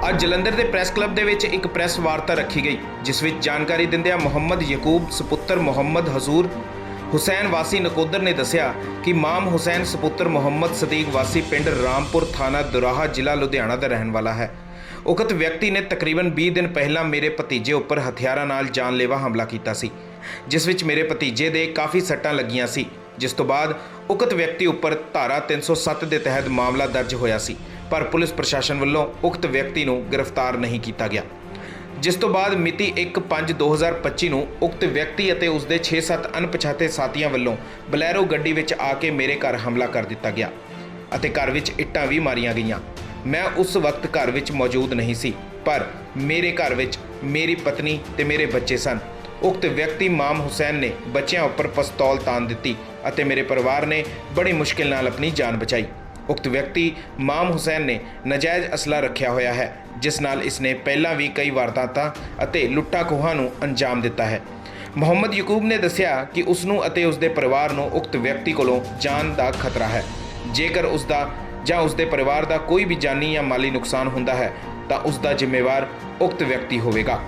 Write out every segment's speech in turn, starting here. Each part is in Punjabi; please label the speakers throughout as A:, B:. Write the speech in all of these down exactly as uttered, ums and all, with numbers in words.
A: ਅੱਜ ਜਲੰਧਰ ਦੇ ਪ੍ਰੈਸ ਕਲੱਬ ਦੇ ਵਿੱਚ ਇੱਕ ਪ੍ਰੈਸ ਵਾਰਤਾ ਰੱਖੀ ਗਈ, ਜਿਸ ਵਿੱਚ ਜਾਣਕਾਰੀ ਦਿੰਦਿਆਂ ਮੁਹੰਮਦ ਯਕੂਬ ਸਪੁੱਤਰ ਮੁਹੰਮਦ ਹਜ਼ੂਰ ਹੁਸੈਨ ਵਾਸੀ ਨਕੋਦਰ ਨੇ ਦੱਸਿਆ ਕਿ ਮਾਮ ਹੁਸੈਨ ਸਪੁੱਤਰ ਮੁਹੰਮਦ ਸਦੀਕ ਵਾਸੀ ਪਿੰਡ ਰਾਮਪੁਰ ਥਾਣਾ ਦੁਰਾਹਾ ਜ਼ਿਲ੍ਹਾ ਲੁਧਿਆਣਾ ਦਾ ਰਹਿਣ ਵਾਲਾ ਹੈ। ਉਕਤ ਵਿਅਕਤੀ ਨੇ ਤਕਰੀਬਨ ਵੀਹ ਦਿਨ ਪਹਿਲਾਂ ਮੇਰੇ ਭਤੀਜੇ ਉੱਪਰ ਹਥਿਆਰਾਂ ਨਾਲ ਜਾਨਲੇਵਾ ਹਮਲਾ ਕੀਤਾ ਸੀ, ਜਿਸ ਵਿੱਚ ਮੇਰੇ ਭਤੀਜੇ ਦੇ ਕਾਫੀ ਸੱਟਾਂ ਲੱਗੀਆਂ ਸੀ, ਜਿਸ ਤੋਂ ਬਾਅਦ ਉਕਤ ਵਿਅਕਤੀ ਉੱਪਰ ਧਾਰਾ ਤਿੰਨ ਸੌ ਸੱਤ ਦੇ ਤਹਿਤ ਮਾਮਲਾ ਦਰਜ ਹੋਇਆ ਸੀ, ਪਰ ਪੁਲਿਸ ਪ੍ਰਸ਼ਾਸਨ ਵੱਲੋਂ ਉਕਤ ਵਿਅਕਤੀ ਨੂੰ ਗ੍ਰਿਫਤਾਰ ਨਹੀਂ ਕੀਤਾ ਗਿਆ। ਜਿਸ ਤੋਂ ਬਾਅਦ ਮਿਤੀ ਇੱਕ ਪੰਜ ਦੋ ਹਜ਼ਾਰ ਪੱਚੀ ਨੂੰ ਉਕਤ ਵਿਅਕਤੀ ਅਤੇ ਉਸਦੇ ਛੇ ਸੱਤ ਅਣਪਛਾਤੇ ਸਾਥੀਆਂ ਵੱਲੋਂ ਬਲੈਰੋ ਗੱਡੀ ਵਿੱਚ ਆ ਕੇ ਮੇਰੇ ਘਰ ਹਮਲਾ ਕਰ ਦਿੱਤਾ ਗਿਆ ਅਤੇ ਘਰ ਵਿੱਚ ਇੱਟਾਂ ਵੀ ਮਾਰੀਆਂ ਗਈਆਂ। ਮੈਂ ਉਸ ਵਕਤ ਘਰ ਵਿੱਚ ਮੌਜੂਦ ਨਹੀਂ ਸੀ, ਪਰ ਮੇਰੇ ਘਰ ਵਿੱਚ ਮੇਰੀ ਪਤਨੀ ਤੇ ਮੇਰੇ ਬੱਚੇ ਸਨ। ਉਕਤ ਵਿਅਕਤੀ ਮਾਮ ਹੁਸੈਨ ਨੇ ਬੱਚਿਆਂ ਉੱਪਰ ਪਿਸਤੌਲ ਤਾਣ ਦਿੱਤੀ ਅਤੇ ਮੇਰੇ ਪਰਿਵਾਰ ਨੇ ਬੜੀ ਮੁਸ਼ਕਿਲ ਨਾਲ ਆਪਣੀ ਜਾਨ ਬਚਾਈ। ਉਕਤ ਵਿਅਕਤੀ ਮਾਮ ਹੁਸੈਨ ਨੇ ਨਜਾਇਜ਼ ਅਸਲਾ ਰੱਖਿਆ ਹੋਇਆ ਹੈ, ਜਿਸ ਨਾਲ ਇਸਨੇ ਪਹਿਲਾਂ ਵੀ ਕਈ ਵਾਰਦਾਤਾਂ ਅਤੇ ਲੁੱਟਾਂ ਖੋਹਾਂ ਨੂੰ ਅੰਜਾਮ ਦਿੱਤਾ ਹੈ। ਮੁਹੰਮਦ ਯਕੂਬ ਨੇ ਦੱਸਿਆ ਕਿ ਉਸ ਨੂੰ ਅਤੇ ਉਸਦੇ ਪਰਿਵਾਰ ਨੂੰ ਉਕਤ ਵਿਅਕਤੀ ਕੋਲੋਂ ਜਾਨ ਦਾ ਖਤਰਾ ਹੈ। ਜੇਕਰ ਉਸ ਦਾ ਜਾਂ ਉਸਦੇ ਪਰਿਵਾਰ ਦਾ ਕੋਈ ਵੀ ਜਾਨੀ ਜਾਂ ਮਾਲੀ ਨੁਕਸਾਨ ਹੁੰਦਾ ਹੈ ਤਾਂ ਉਸ ਦਾ ਜ਼ਿੰਮੇਵਾਰ ਉਕਤ ਵਿਅਕਤੀ ਹੋਵੇਗਾ।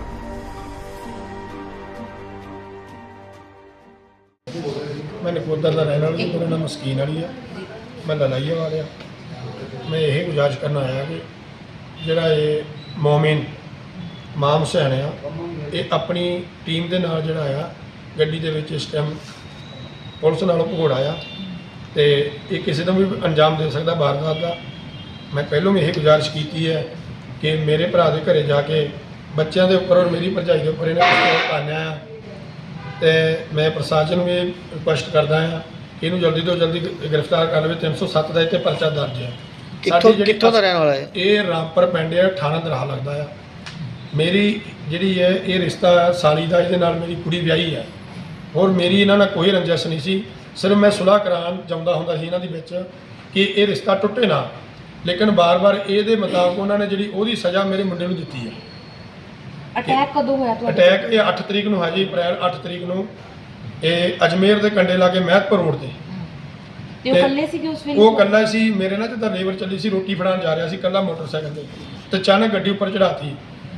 B: मैं नकोदर का रहने वाला, मेरा नाम मस्कीन वाली है, मैं ललाइया वाले। मैं यही गुजारिश करना आया कि जोड़ा ये मोमिन माम हुसैन आ, ये अपनी टीम के नाल जोड़ा आ गड्डी दे विच इस टाइम पुलिस नालों भगौड़ा आ ते ये किसी को भी अंजाम दे सकता वारदात का। मैं पहलों भी यही गुजारिश की है कि मेरे भरा के घरे जाके बच्चों के उपर और मेरी भरजाई के उपर इन्हें तानिया आ ਤੇ ਮੈਂ ਪ੍ਰਸ਼ਾਸਨ ਨੂੰ ਵੀ ਰਿਕੁਐਸਟ ਕਰਦਾ ਹਾਂ ਕਿ ਇਹਨੂੰ ਜਲਦੀ ਤੋਂ ਜਲਦੀ ਗ੍ਰਿਫਤਾਰ ਕਰ ਲਵੇ। ਤਿੰਨ ਸੌ ਸੱਤ ਦਾ ਇੱਥੇ ਪਰਚਾ ਦਰਜ ਹੈ।
C: ਕਿੱਥੋਂ ਕਿੱਥੋਂ ਦਾ ਰਹਿਣ ਵਾਲਾ ਹੈ?
B: ਇਹ ਰਾਮਪੁਰ ਪਿੰਡ ਹੈ, ਥਾਣਾ ਦਰਾਹਾ ਲੱਗਦਾ ਆ। ਮੇਰੀ ਜਿਹੜੀ ਹੈ ਇਹ ਰਿਸ਼ਤਾ ਸਾਲੀ ਦਾ, ਇਹਦੇ ਨਾਲ ਮੇਰੀ ਕੁੜੀ ਵਿਆਹੀ ਹੈ। ਹੋਰ ਮੇਰੀ ਇਹਨਾਂ ਨਾਲ ਕੋਈ ਰੰਜਿਸ਼ ਨਹੀਂ ਸੀ, ਸਿਰਫ ਮੈਂ ਸੁਲਾਹ ਕਰਾਉਣ ਚਾਹੁੰਦਾ ਹੁੰਦਾ ਸੀ ਇਹਨਾਂ ਦੇ ਵਿੱਚ ਕਿ ਇਹ ਰਿਸ਼ਤਾ ਟੁੱਟੇ ਨਾ, ਲੇਕਿਨ ਬਾਰ-ਬਾਰ ਇਹਦੇ ਮੁਤਾਬਕ ਉਹਨਾਂ ਨੇ ਜਿਹੜੀ ਉਹਦੀ ਸਜ਼ਾ ਮੇਰੇ ਮੁੰਡੇ ਨੂੰ ਦਿੱਤੀ ਹੈ।
D: ਅਟੈਕ ਕਦੋਂ ਹੋਇਆ ਤੁਹਾਡਾ?
B: ਅਟੈਕ ਇਹ ਅੱਠ ਤਰੀਕ ਨੂੰ ਹੈ ਜੀ, ਅਪ੍ਰੈਲ ਅੱਠ ਤਰੀਕ ਨੂੰ ਇਹ ਅਜਮੇਰ ਦੇ ਕੰਡੇ ਲਾਗੇ ਮਹਿਤਪੁਰ ਰੋਡ ਤੇ।
D: ਤੇ ਉਹ ਇਕੱਲੇ ਸੀਗੇ ਉਸ ਵੇਲੇ?
B: ਉਹ ਇਕੱਲਾ ਸੀ। ਮੇਰੇ ਨਾਲ ਜਿੱਦਾਂ ਲੇਬਰ ਚੱਲੀ ਸੀ, ਰੋਟੀ ਫੜਾਉਣ ਜਾ ਰਿਹਾ ਸੀ ਇਕੱਲਾ ਮੋਟਰਸਾਈਕਲ ਤੇ, ਤੇ ਅਚਾਨਕ ਗੱਡੀ ਉੱਪਰ ਚੜਾਤੀ।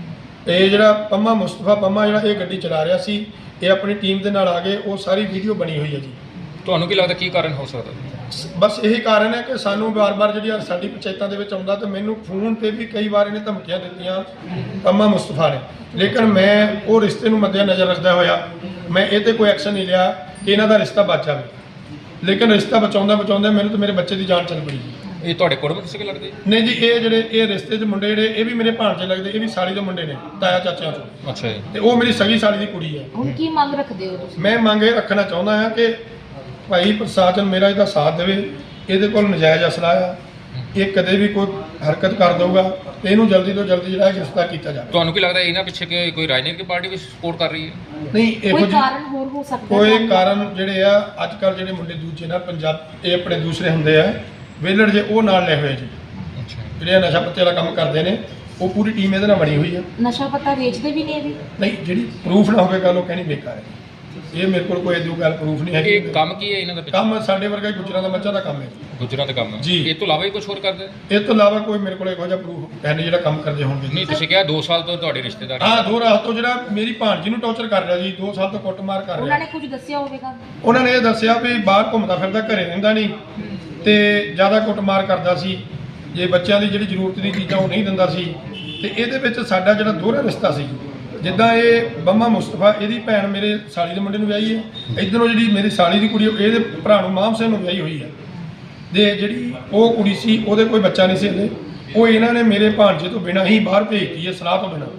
B: ਇਹ ਜਿਹੜਾ ਪੰਮਾ ਮੁਸਤਫਾ ਪੰਮਾ ਜਿਹੜਾ ਇਹ ਗੱਡੀ ਚਲਾ ਰਿਹਾ ਸੀ, ਇਹ ਆਪਣੀ ਟੀਮ ਦੇ ਨਾਲ ਆ ਗਏ। ਉਹ ਸਾਰੀ ਵੀਡੀਓ ਬਣੀ ਹੋਈ ਹੈ ਜੀ।
C: ਤੁਹਾਨੂੰ ਕੀ ਲੱਗਦਾ ਕੀ ਕਾਰਨ ਹੋ ਸਕਦਾ?
B: ਬਸ ਇਹੀ ਕਾਰਨ ਹੈ ਕਿ ਸਾਨੂੰ ਵਾਰ-ਵਾਰ ਜਿਹੜੀ ਸਾਡੀ ਪੰਚਾਇਤਾਂ ਦੇ ਵਿੱਚ ਆਉਂਦਾ ਤੇ ਮੈਨੂੰ ਫੋਨ ਤੇ ਵੀ ਕਈ ਵਾਰ ਇਹਨੇ ਧਮਕੀਆਂ ਦਿੱਤੀਆਂ ਪੰਮਾ ਮੁਸਤਫਾ ਨੇ, ਲੇਕਿਨ ਮੈਂ ਉਹ ਰਿਸ਼ਤੇ ਨੂੰ ਮੱਦੇ ਨਜ਼ਰ ਰੱਖਦਾ ਹੋਇਆ ਮੈਂ ਇਹ ਤੇ ਕੋਈ ਐਕਸ਼ਨ ਨਹੀਂ ਲਿਆ ਕਿ ਇਹਨਾਂ ਦਾ ਰਿਸ਼ਤਾ ਬਚ ਜਾਵੇ। ਲੇਕਿਨ ਰਿਸ਼ਤਾ ਬਚਾਉਂਦਾ ਬਚਾਉਂਦਾ ਮੈਨੂੰ ਤੇ ਮੇਰੇ ਬੱਚੇ ਦੀ ਜਾਨ ਚੱਲ ਪਈ।
C: ਇਹ ਤੁਹਾਡੇ ਕੋਲ ਕਿਸੇ ਕੇ ਲੱਗਦੇ?
B: ਨਹੀਂ ਜੀ, ਇਹ ਜਿਹੜੇ ਇਹ ਰਿਸ਼ਤੇ 'ਚ ਮੁੰਡੇ ਜਿਹੜੇ ਇਹ ਵੀ ਮੇਰੇ ਭਾਣਜੇ ਲੱਗਦੇ, ਇਹ ਵੀ ਸਾਲੀ ਦੇ ਮੁੰਡੇ ਨੇ, ਤਾਇਆ ਚਾਚਿਆਂ ਤੋਂ।
C: ਅੱਛਾ ਜੀ। ਤੇ
B: ਉਹ ਮੇਰੀ ਸਗੀ ਸਾਲੀ ਦੀ ਕੁੜੀ ਹੈ।
D: ਹੁਣ ਕੀ ਮੰਗ ਰੱਖਦੇ ਹੋ ਤੁਸੀਂ?
B: ਮੈਂ ਮੰਗ ਇਹ ਰੱਖਣਾ ਚਾਹੁੰਦਾ ਹਾਂ ਕਿ ਭਾਈ ਪ੍ਰਸ਼ਾਸਨ ਮੇਰਾ ਇਹਦਾ ਸਾਥ ਦੇਵੇ। ਇਹਦੇ ਕੋਲ ਨਜਾਇਜ਼ ਅਸਲਾ ਆ, ਇਹ ਕਦੇ ਵੀ ਕੋਈ ਹਰਕਤ ਕਰ ਦਊਗਾ ਤੇ ਇਹਨੂੰ ਜਲਦੀ ਤੋਂ ਜਲਦੀ ਜਿਹੜਾ ਗ੍ਰਿਫਤਾਰ ਕੀਤਾ ਜਾਵੇ।
C: ਤੁਹਾਨੂੰ ਕੀ ਲੱਗਦਾ ਇਹਨਾਂ ਪਿੱਛੇ ਕਿ ਕੋਈ ਰਾਜਨੀਤਿਕ ਪਾਰਟੀ ਵੀ ਸਪੋਰਟ ਕਰ ਰਹੀ ਹੈ?
B: ਨਹੀਂ, ਇਹੋ
D: ਕੋਈ
B: ਜਿਹੀ
D: ਕਾਰਨ ਹੋਰ ਹੋ ਸਕਦਾ?
B: ਕੋਈ ਕਾਰਨ ਜਿਹੜੇ ਆ ਅੱਜ ਕੱਲ੍ਹ ਜਿਹੜੇ ਮੁੰਡੇ ਦੂਜੇ ਨਾਲ ਪੰਜਾਬ ਇਹ ਆਪਣੇ ਦੂਸਰੇ ਹੁੰਦੇ ਆ ਵੇਲੜ ਜੇ, ਉਹ ਨਾਲ ਲੈ ਹੋਏ ਜੀ,
C: ਅੱਛਾ।
B: ਜਿਹੜੇ ਨਸ਼ਾ ਪੱਤੇ ਵਾਲਾ ਕੰਮ ਕਰਦੇ ਨੇ, ਉਹ ਪੂਰੀ ਟੀਮ ਇਹਦੇ ਨਾਲ ਬਣੀ ਹੋਈ ਆ।
D: ਨਸ਼ਾ ਪੱਤਾ ਵੇਚਦੇ ਵੀ ਨੇ ਇਹ ਵੀ?
B: ਨਹੀਂ, ਜਿਹੜੀ ਪ੍ਰੂਫ ਨਾ ਹੋਵੇ ਗੱਲ ਉਹ ਕਹਿਣੀ ਬੇਕਾਰ ਹੈ। ਇਹ ਮੇਰੇ ਕੋਲ ਕੋਈ ਇਹਦੀ ਗੱਲ ਪ੍ਰੂਫ ਨਹੀਂ ਹੈਗੀ।
C: ਇਹ ਕੰਮ ਕੀ ਹੈ ਇਹਨਾਂ ਦਾ ਪਿੱਛੇ?
B: ਕੰਮ ਸਾਡੇ ਵਰਗਾ ਹੀ ਗੁੱਜਰਾਂ ਦਾ ਮੱਝਾਂ ਦਾ ਕੰਮ ਹੈ
C: ਗੁੱਜਰਾਂ ਦਾ ਕੰਮ ਹੈ
B: ਜੀ।
C: ਇਹ ਤੋਂ ਇਲਾਵਾ ਹੀ ਕੁਝ ਹੋਰ ਕਰਦੇ?
B: ਇਹ ਤੋਂ ਇਲਾਵਾ ਕੋਈ ਮੇਰੇ ਕੋਲ ਇਹੋ ਜਿਹਾ ਪ੍ਰੂਫ ਹੈ ਨਹੀਂ ਜਿਹੜਾ ਕੰਮ ਕਰਦੇ ਹੋਣਗੇ।
C: ਨਹੀਂ, ਤੁਸੀਂ ਕਿਹਾ ਦੋ ਸਾਲ ਤੋਂ ਤੁਹਾਡੇ ਰਿਸ਼ਤੇਦਾਰ?
B: ਹਾਂ, ਦੋ ਰਾਤ ਤੋਂ ਜਿਹੜਾ ਮੇਰੀ ਭਾਣਜੀ ਨੂੰ ਟੌਰਚਰ ਕਰ ਰਿਹਾ ਜੀ, ਦੋ ਸਾਲ ਤੋਂ ਕੁੱਟਮਾਰ ਕਰ
D: ਉਹਨਾਂ
B: ਰਿਹਾ।
D: ਨੇ ਕੁਝ ਦੱਸਿਆ ਹੋਵੇਗਾ?
B: ਉਹਨਾਂ ਨੇ ਇਹ ਦੱਸਿਆ ਵੀ ਬਾਹਰ ਘੁੰਮਦਾ ਫਿਰਦਾ, ਘਰੇ ਰਹਿੰਦਾ ਨਹੀਂ ਤੇ ਜ਼ਿਆਦਾ ਕੁੱਟਮਾਰ ਕਰਦਾ ਸੀ। ਜੇ ਬੱਚਿਆਂ ਦੀ ਜਿਹੜੀ ਜ਼ਰੂਰਤ ਦੀ ਚੀਜ਼ਾਂ ਉਹ ਨਹੀਂ ਦਿੰਦਾ ਸੀ। ਤੇ ਇਹਦੇ ਵਿੱਚ ਸਾਡਾ ਜਿਹੜਾ ਦੋਹਰਾ ਰਿਸ਼ਤਾ ਸੀ, ਜਿੱਦਾਂ ਇਹ ਬੰਮਾ ਮੁਸਤਫਾ ਇਹਦੀ ਭੈਣ ਮੇਰੇ ਸਾਲੀ ਦੇ ਮੁੰਡੇ ਨੂੰ ਵਿਆਹੀ ਹੈ, ਇੱਧਰੋਂ ਜਿਹੜੀ ਮੇਰੀ ਸਾਲੀ ਦੀ ਕੁੜੀ ਇਹਦੇ ਭਰਾ ਨੂੰ ਮਾਮ ਸਿੰਘ ਨੂੰ ਵਿਆਹੀ ਹੋਈ ਹੈ। ਤੇ ਜਿਹੜੀ ਉਹ ਕੁੜੀ ਸੀ ਉਹਦੇ ਕੋਈ ਬੱਚਾ ਨਹੀਂ ਸੀ ਹਲੇ, ਉਹ ਇਹਨਾਂ ਨੇ ਮੇਰੇ ਭਾਣਜੇ ਤੋਂ ਬਿਨਾਂ ਹੀ ਬਾਹਰ ਭੇਜਤੀ ਹੈ, ਸਲਾਹ ਤੋਂ ਬਿਨਾਂ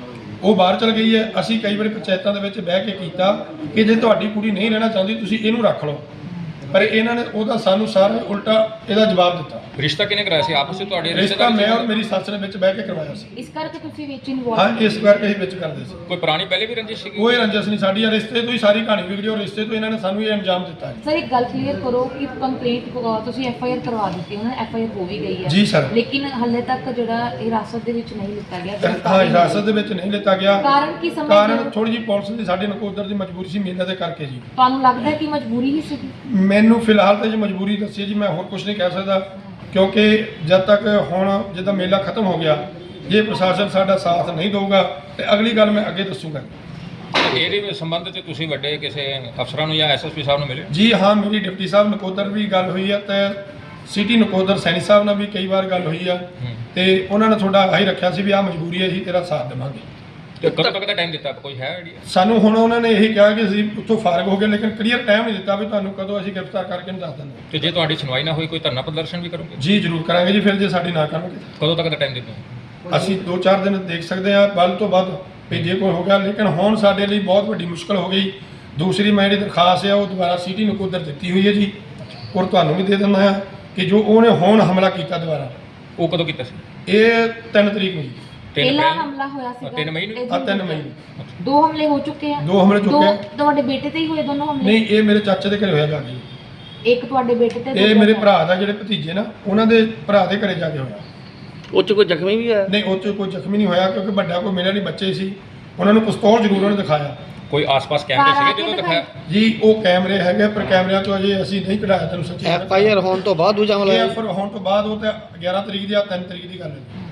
B: ਉਹ ਬਾਹਰ ਚਲ ਗਈ ਹੈ। ਅਸੀਂ ਕਈ ਵਾਰੀ ਪੰਚਾਇਤਾਂ ਦੇ ਵਿੱਚ ਬਹਿ ਕੇ ਕੀਤਾ ਕਿ ਜੇ ਤੁਹਾਡੀ ਕੁੜੀ ਨਹੀਂ ਰਹਿਣਾ ਚਾਹੁੰਦੀ ਤੁਸੀਂ ਇਹਨੂੰ ਰੱਖ ਲਓ, ਪਰ ਇਹਨਾਂ ਨੇ ਉਹਦਾ ਸਾਨੂੰ ਸਾਰਾ ਉਲਟਾ ਇਹਦਾ ਜਵਾਬ ਦਿੱਤਾ।
C: ਰਿਸ਼ਤਾ ਕਿਹਨੇ ਕਰਾਇਆ ਸੀ ਆਪਸ ਵਿੱਚ ਤੁਹਾਡੇ?
B: ਰਿਸ਼ਤਾ ਮੈਂ ਔਰ ਮੇਰੀ ਸੱਸ ਨੇ ਵਿੱਚ ਬਹਿ ਕੇ ਕਰਵਾਇਆ ਸੀ।
D: ਇਸ ਕਰਕੇ ਤੁਸੀਂ ਵਿੱਚ ਇਨਵੋਲਵ?
B: ਹਾਂ, ਇਸ ਕਰਕੇ ਅਸੀਂ ਵਿੱਚ ਕਰਦੇ ਸੀ।
C: ਕੋਈ ਪੁਰਾਣੀ ਪਹਿਲੇ ਵੀ ਰੰਜਿਸ਼ ਸੀਗੀ?
B: ਕੋਈ ਰੰਜਿਸ਼ ਨਹੀਂ ਸਾਡੀ, ਰਿਸ਼ਤੇ ਤੋਂ ਹੀ ਸਾਰੀ ਕਹਾਣੀ ਵਿਗੜੀ ਔਰ ਰਿਸ਼ਤੇ ਤੋਂ ਇਹਨਾਂ ਨੇ ਸਾਨੂੰ ਇਹ ਅੰਜਾਮ ਦਿੱਤਾ ਹੈ।
D: ਸਰ, ਇੱਕ ਗੱਲ ਕਲੀਅਰ ਕਰੋ ਕਿ ਕੰਪਲੇਂਟ ਤੁਸੀਂ ਐਫ ਆਈ ਆਰ ਕਰਵਾ ਦਿੱਤੀ, ਉਹਨਾਂ ਐਫ ਆਈ ਆਰ ਹੋ ਵੀ ਗਈ ਹੈ
B: ਜੀ ਸਰ,
D: ਲੇਕਿਨ ਹਾਲੇ ਤੱਕ ਜਿਹੜਾ ਹਿਰਾਸਤ ਦੇ ਵਿੱਚ ਨਹੀਂ ਲਿੱਤਾ ਗਿਆ?
B: ਹਾਂ, ਹਿਰਾਸਤ ਦੇ ਵਿੱਚ ਨਹੀਂ ਲਿੱਤਾ ਗਿਆ।
D: ਕਾਰਨ ਕੀ ਸਮਝਦੇ?
B: ਕਾਰਨ ਥੋੜੀ ਜਿਹੀ ਪੁਲਿਸ ਦੀ ਸਾਡੇ ਨਕੋਦਰ ਦੀ ਮਜਬੂਰੀ ਸੀ ਮੇਲੇ ਦੇ ਕਰਕੇ ਜੀ।
D: ਤੁਹਾਨੂੰ ਲੱਗਦਾ ਹੈ ਕਿ ਮਜਬੂਰੀ ਹੀ ਸੀ?
B: ਮੈਨੂੰ ਫਿਲਹਾਲ ਤਾਂ ਜੀ ਮਜਬੂਰੀ ਦੱਸੀ ਜੀ, ਮੈਂ ਹੋਰ ਕੁਝ ਨਹੀਂ ਕਹਿ ਸਕਦਾ ਕਿਉਂਕਿ ਜਦ ਤੱਕ ਹੁਣ ਜਿੱਦਾਂ ਮੇਲਾ ਖਤਮ ਹੋ ਗਿਆ ਜੇ ਪ੍ਰਸ਼ਾਸਨ ਸਾਡਾ ਸਾਥ ਨਹੀਂ ਦਊਗਾ ਤੇ ਅਗਲੀ ਗੱਲ ਮੈਂ ਅੱਗੇ ਦੱਸੂਗਾ।
C: ਇਹਦੇ ਸੰਬੰਧ 'ਚ ਤੁਸੀਂ ਵੱਡੇ ਕਿਸੇ ਅਫਸਰਾਂ ਨੂੰ ਜਾਂ ਐਸਐਸਪੀ ਸਾਹਿਬ ਨੂੰ ਮਿਲੇ?
B: ਜੀ ਹਾਂ, ਮੇਰੀ ਡਿਪਟੀ ਸਾਹਿਬ ਨਕੋਦਰ ਵੀ ਗੱਲ ਹੋਈ ਆ ਤੇ ਸਿਟੀ ਨਕੋਦਰ ਸੈਣੀ ਸਾਹਿਬ ਨਾਲ ਵੀ ਕਈ ਵਾਰ ਗੱਲ ਹੋਈ ਆ ਤੇ ਉਹਨਾਂ ਨੇ ਤੁਹਾਡਾ ਆਹੀ ਰੱਖਿਆ ਸੀ ਵੀ ਆਹ ਮਜਬੂਰੀ ਹੈ, ਅਸੀਂ ਤੇਰਾ ਸਾਥ ਦੇਵਾਂਗੇ।
C: ਤੇ ਕਦੋਂ ਤੱਕ ਦਾ ਟਾਈਮ ਦਿੱਤਾ, ਕੋਈ ਹੈ ਆਈਡੀਆ?
B: ਸਾਨੂੰ ਹੁਣ ਉਹਨਾਂ ਨੇ ਇਹੀ ਕਿਹਾ ਕਿ ਅਸੀਂ ਉੱਥੋਂ ਫਾਰਗ ਹੋ ਗਏ, ਲੇਕਿਨ ਕਲੀਅਰ ਟਾਈਮ ਨਹੀਂ ਦਿੱਤਾ ਵੀ ਤੁਹਾਨੂੰ ਕਦੋਂ ਅਸੀਂ ਗ੍ਰਿਫਤਾਰ ਕਰਕੇ ਨਹੀਂ ਦੱਸ ਦਿੰਦੇ।
C: ਤੇ ਜੇ ਤੁਹਾਡੀ ਸੁਣਵਾਈ ਨਾ ਹੋਈ ਕੋਈ ਧਰਨਾ ਪ੍ਰਦਰਸ਼ਨ ਵੀ ਕਰੋਗੇ?
B: ਜੀ ਜ਼ਰੂਰ ਕਰਾਂਗੇ ਜੀ, ਫਿਰ ਜੇ ਸਾਡੀ ਨਾ ਕਰਨਗੇ
C: ਕਦੋਂ ਤੱਕ ਦਾ ਟਾਈਮ ਦਿੱਤਾ?
B: ਅਸੀਂ ਦੋ ਚਾਰ ਦਿਨ ਦੇਖ ਸਕਦੇ ਹਾਂ, ਵੱਧ ਤੋਂ ਵੱਧ ਵੀ ਜੇ ਕੋਈ ਹੋ ਗਿਆ, ਲੇਕਿਨ ਹੁਣ ਸਾਡੇ ਲਈ ਬਹੁਤ ਵੱਡੀ ਮੁਸ਼ਕਲ ਹੋ ਗਈ। ਦੂਸਰੀ ਮੈਂ ਜਿਹੜੀ ਦਰਖਾਸਤ ਹੈ ਉਹ ਦੁਬਾਰਾ ਸਿਟੀ ਨਕੋਦਰ ਦਿੱਤੀ ਹੋਈ ਹੈ ਜੀ, ਔਰ ਤੁਹਾਨੂੰ ਵੀ ਦੇ ਦਿੰਦਾ ਹਾਂ ਕਿ ਜੋ ਉਹਨੇ ਹੁਣ ਹਮਲਾ ਕੀਤਾ ਦੁਬਾਰਾ,
C: ਉਹ ਕਦੋਂ ਕੀਤਾ ਸੀ?
B: ਇਹ ਤਿੰਨ ਤਰੀਕ ਨੂੰ ਜੀ,
C: ਤਿੰਨ
D: ਪਹਿਲਾ
C: ਅਪ੍ਰੈਲ?
D: ਹਮਲਾ ਹੋਇਆ ਸੀਗਾ
C: ਤਿੰਨ ਮਈ ਨੂੰ?
D: ਇਹ
B: ਆ
D: ਦਿਨ
B: ਤਿੰਨ ਮਈ ਨੂੰ
D: ਦੋ ਹਮਲੇ ਹੋ ਚੁੱਕੇ ਆ।
B: ਦੋ ਹਮਲੇ
D: ਦੋ
B: ਚੁੱਕੇ ਆ।
D: ਤੁਹਾਡੇ ਬੇਟੇ ਤੇ ਹੀ ਹੋਏ ਦੋਨੋਂ ਹਮਲੇ?
B: ਨਹੀਂ, ਇਹ ਮੇਰੇ ਚਾਚੇ ਦੇ ਘਰੇ ਹੋਇਆ ਜਾ ਕੇ।
D: ਇੱਕ ਤੁਹਾਡੇ ਬੇਟੇ ਤੇ,
B: ਇਹ
D: ਦੂਜਾ
B: ਮੇਰੇ
D: ਤੁਹਾਡਾ।
B: ਭਰਾ ਦਾ ਜਿਹੜੇ ਭਤੀਜੇ ਨਾ, ਉਹਨਾਂ ਦੇ ਭਰਾ ਦੇ ਘਰੇ ਜਾ ਕੇ ਹੋਇਆ।
E: ਉਹ 'ਚ ਕੋਈ ਜ਼ਖਮੀ ਵੀ ਹੋਇਆ?
B: ਨਹੀਂ, ਉਹ 'ਚ ਕੋਈ ਜ਼ਖਮੀ ਨਹੀਂ ਹੋਇਆ ਕਿਉਂਕਿ ਵੱਡਾ ਕੋਈ ਮਿਲਿਆ ਨਹੀਂ, ਬੱਚੇ ਸੀ। ਉਹਨਾਂ ਨੂੰ ਪਿਸਤੌਲ ਜ਼ਰੂਰ ਉਹਨੇ ਦਿਖਾਇਆ
C: ਕੋਈ ਆਸ-ਪਾਸ ਕੈਮਰੇ
D: ਸਾਰਾ
C: ਸੀਗੇ ਜਦੋਂ
D: ਕੇ
C: ਦਿਖਾਇਆ?
B: ਜੀ। ਉਹ ਕੈਮਰੇ ਹੈਗੇ ਪਰ ਕੈਮਰਿਆਂ ਤੋਂ ਅਜੇ ਅਸੀਂ ਨਹੀਂ ਕਢਾਇਆ, ਤੁਹਾਨੂੰ ਸੱਚੀ
E: ਐਫ ਆਈ ਆਰ ਹੋਣ ਤੋਂ ਬਾਅਦ ਦੂਜਾ ਹਮਲਾ
B: ਇਹ
E: ਹੋਇਆ?
B: ਫਿਰ ਹੋਣ ਤੋਂ ਬਾਅਦ ਉਹ ਤਾਂ ਗਿਆਰਾਂ ਤਰੀਕ ਦੀ ਆ, ਤਿੰਨ ਤਰੀਕ ਦੀ ਗੱਲ ਹੈ।